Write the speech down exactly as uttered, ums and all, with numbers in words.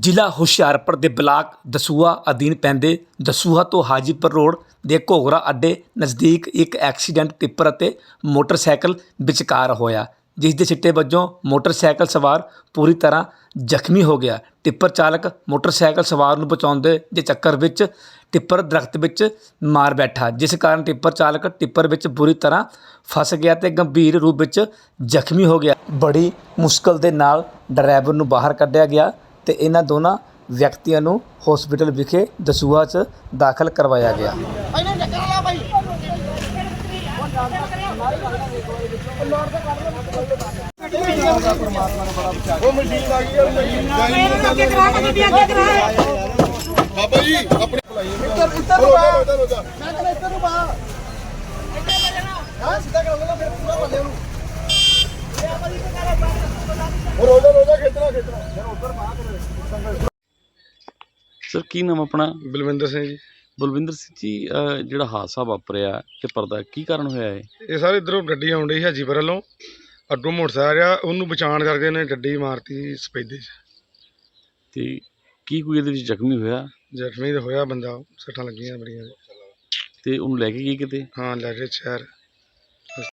ਜ਼ਿਲ੍ਹਾ ਹੁਸ਼ਿਆਰਪੁਰ ਦੇ ਬਲਾਕ ਦਸੂਹਾ ਅਧੀਨ ਪੈਂਦੇ ਦਸੂਹਾ ਤੋਂ ਹਾਜੀਪੁਰ ਰੋਡ ਦੇ ਘੋਗਰਾ ਅੱਡੇ ਨਜ਼ਦੀਕ ਇੱਕ ਐਕਸੀਡੈਂਟ ਟਿੱਪਰ ਅਤੇ ਮੋਟਰਸਾਈਕਲ ਵਿਚਕਾਰ ਹੋਇਆ, ਜਿਸ ਦੇ ਸਿੱਟੇ ਵਜੋਂ ਮੋਟਰਸਾਈਕਲ ਸਵਾਰ ਪੂਰੀ ਤਰ੍ਹਾਂ ਜ਼ਖਮੀ ਹੋ ਗਿਆ। ਟਿੱਪਰ ਚਾਲਕ ਮੋਟਰਸਾਈਕਲ ਸਵਾਰ ਨੂੰ ਬਚਾਉਂਦੇ ਦੇ ਚੱਕਰ ਵਿੱਚ ਟਿੱਪਰ ਦਰਖਤ ਵਿੱਚ ਮਾਰ ਬੈਠਾ, ਜਿਸ ਕਾਰਨ ਟਿੱਪਰ ਚਾਲਕ ਟਿੱਪਰ ਵਿੱਚ ਬੁਰੀ ਤਰ੍ਹਾਂ ਫਸ ਗਿਆ ਤੇ ਗੰਭੀਰ ਰੂਪ ਵਿੱਚ ਜ਼ਖਮੀ ਹੋ ਗਿਆ। ਬੜੀ ਮੁਸ਼ਕਲ ਦੇ ਨਾਲ ਡਰਾਈਵਰ ਨੂੰ ਬਾਹਰ ਕੱਢਿਆ ਗਿਆ ਤੇ ਇਹਨਾਂ ਦੋਨਾਂ ਵਿਅਕਤੀਆਂ ਨੂੰ ਹਸਪੀਟਲ ਵਿਖੇ ਦਸੂਹਾ 'ਚ ਦਾਖਲ ਕਰਵਾਇਆ ਗਿਆ। ਬਾਬਾ ਜੀ ਆਪਣੇ ਇੱਧਰ ਇੱਧਰ ਨੂੰ ਆ ਮੈਂ ਕਹਿੰਦਾ ਇੱਧਰ ਨੂੰ ਆ ਹਾਂ ਸਿੱਧਾ ਕਰ ਲੈਣਾ ਫਿਰ ਪੂਰਾ ਬੰਦੇ ਨੂੰ ਉਹ ਰੋਜ਼ਾ ਰੋਜ਼ਾ ਖੇਤਰਾ ਖੇਤਰਾ ਫਿਰ ਉੱਧਰ ਬਾਹਰ ਸਰ ਕੀ ਨਾਮ ਆਪਣਾ? ਬਲਵਿੰਦਰ ਸਿੰਘ ਜੀ। ਬਲਵਿੰਦਰ ਸਿੰਘ ਜੀ, ਅਹ ਜਿਹੜਾ ਹਾਦਸਾ ਵਾਪਰਿਆ ਟਿੱਪਰ ਦਾ ਕੀ ਕਾਰਨ ਹੋਇਆ ਹੈ? ਇਹ ਸਾਰੇ ਇੱਧਰੋਂ ਗੱਡੀ ਆਉਣ ਡਈ ਹਾਜੀਪੁਰ ਵੱਲੋਂ, ਅੱਗੋਂ ਮੋਟਰਸਾਈਕਲ ਆ, ਉਹਨੂੰ ਬਚਾਉਣ ਕਰਕੇ ਉਹਨੇ ਗੱਡੀ ਮਾਰਤੀ ਸਪੈਦੇ 'ਚ ਤੇ ਕੀ ਕੋਈ ਇਹਦੇ ਵਿੱਚ ਜ਼ਖਮੀ ਹੋਇਆ? ਜ਼ਖਮੀ ਤਾਂ ਹੋਇਆ ਬੰਦਾ, ਸੱਟਾਂ ਲੱਗੀਆਂ ਬੜੀਆਂ ਤੇ ਉਹਨੂੰ ਲੈ ਕੇ ਗਏ ਕਿਤੇ? ਹਾਂ ਲੈ ਕੇ ਸ਼ਹਿਰ